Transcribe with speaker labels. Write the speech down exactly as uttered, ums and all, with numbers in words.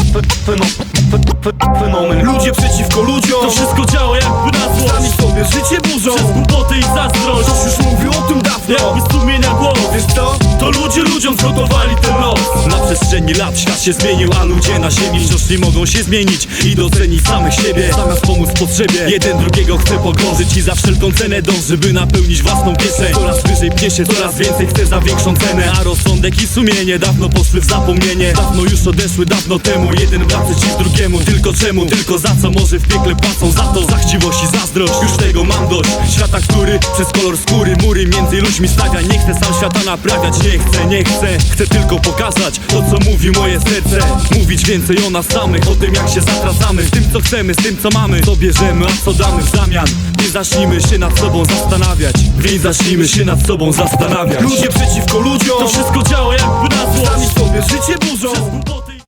Speaker 1: fenomen. Ludzie przeciwko ludziom,
Speaker 2: To wszystko działa jakby na złość.
Speaker 1: sami sobie życie burzą.
Speaker 2: Przez głupoty i zazdrość.
Speaker 1: Ktoś już mówił o tym dawno.
Speaker 2: Jakby sumienia głos.
Speaker 1: Wiesz co?
Speaker 2: To ludzie ludziom zgotowali ten los.
Speaker 3: Na przestrzeni lat świat się zmienił, a ludzie na ziemi wciąż nie mogą się zmienić i docenić samych siebie. Zamiast pomóc potrzebie, jeden drugiego chce pogrążyć i za wszelką cenę dąży, by napełnić własną kieszeń. Coraz wyżej pnie się, coraz więcej chce za większą cenę, a rozsądek i sumienie dawno poszły w zapomnienie. Dawno już odeszły, dawno temu, jeden brat przeciw drugiemu. Tylko czemu? Tylko za co? Może w piekle płacą za to, za chciwość i zazdrość. Już tego mam dość, świata, który przez kolor skóry mury między ludźmi stawia. Nie chcę sam świata naprawiać, nie chcę, nie chcę. Chcę tylko pokazać to, co mówi moje serce. Mówić więcej o nas samych, o tym jak się zatracamy, z tym co chcemy, z tym co mamy, co bierzemy, a co damy w zamian. Nie zacznijmy się nad sobą zastanawiać, więc zacznijmy się nad sobą zastanawiać.
Speaker 1: Ludzie przeciwko ludziom,
Speaker 2: To wszystko działa jakby na złość.
Speaker 1: sami sobie życie burzą.
Speaker 2: Przez głupoty